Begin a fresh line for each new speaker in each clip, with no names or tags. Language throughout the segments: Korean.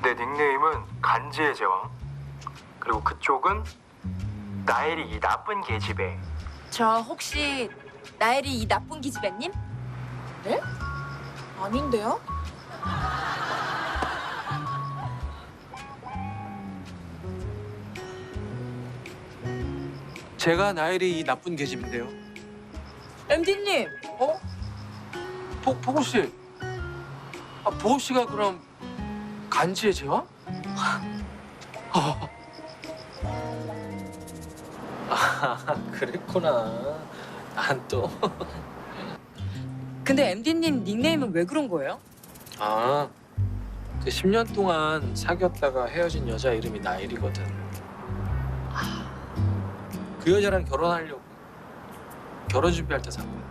내 닉네임은 간지의 제왕. 그리고 그쪽은 나엘이 이 나쁜 계집애.
저 혹시 나엘이 이 나쁜 기집애님?
네? 아닌데요?
제가 나엘이 이 나쁜 계집인데요.
MD님.
어? 보고 씨. 아, 보고 씨가 그럼 간지의 제왕? 그랬구나. 난 또.
근데 MD님 닉네임은 왜 그런 거예요?
아, 그 10년 동안 사귀었다가 헤어진 여자 이름이 나엘이거든. 그 여자랑 결혼하려고 결혼 준비할 때 산 거야.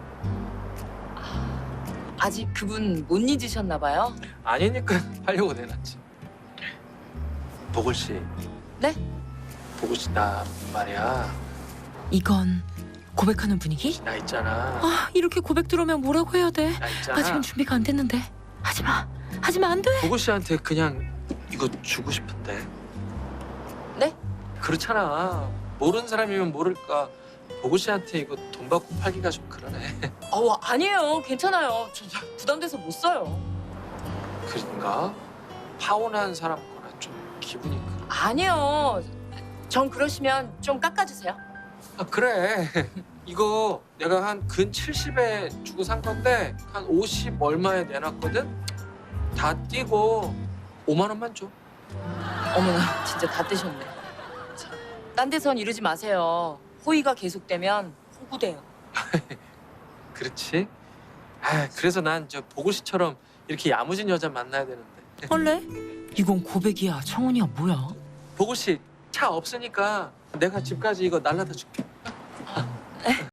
아직 그분 못 잊으셨나 봐요.
아니니까 하려고 내놨지. 보글 씨.
네?
보글 씨, 나 말이야.
이건 고백하는 분위기?
나 있잖아.
아, 이렇게 고백 들어오면 뭐라고 해야 돼?
나 있잖아.
아직은 준비가 안 됐는데. 하지 마. 하지마, 안 돼.
보글 씨한테 그냥 이거 주고 싶은데.
네?
그렇잖아. 모르는 사람이면 모를까. 보글 씨한테 이거 돈 받고 팔기가 좀 그러네.
아니에요. 괜찮아요. 저 부담돼서 못 써요.
그런가? 파혼한 사람 거라 좀 기분이 그래.
아니요. 전 그러시면 좀 깎아주세요.
아, 그래. 이거 내가 한 근 70에 주고 산 건데 한 50 얼마에 내놨거든? 다 띄고 5만 원만 줘.
어머나, 진짜 다 떼셨네. 자, 딴 데선 이러지 마세요. 호의가 계속되면 호구돼요.
그렇지? 아, 그래서 난 저 보고 씨처럼 이렇게 야무진 여자 만나야 되는데.
원래? 이건 고백이야, 청혼이야, 뭐야?
보고 씨 차 없으니까 내가 집까지 이거 날라다 줄게.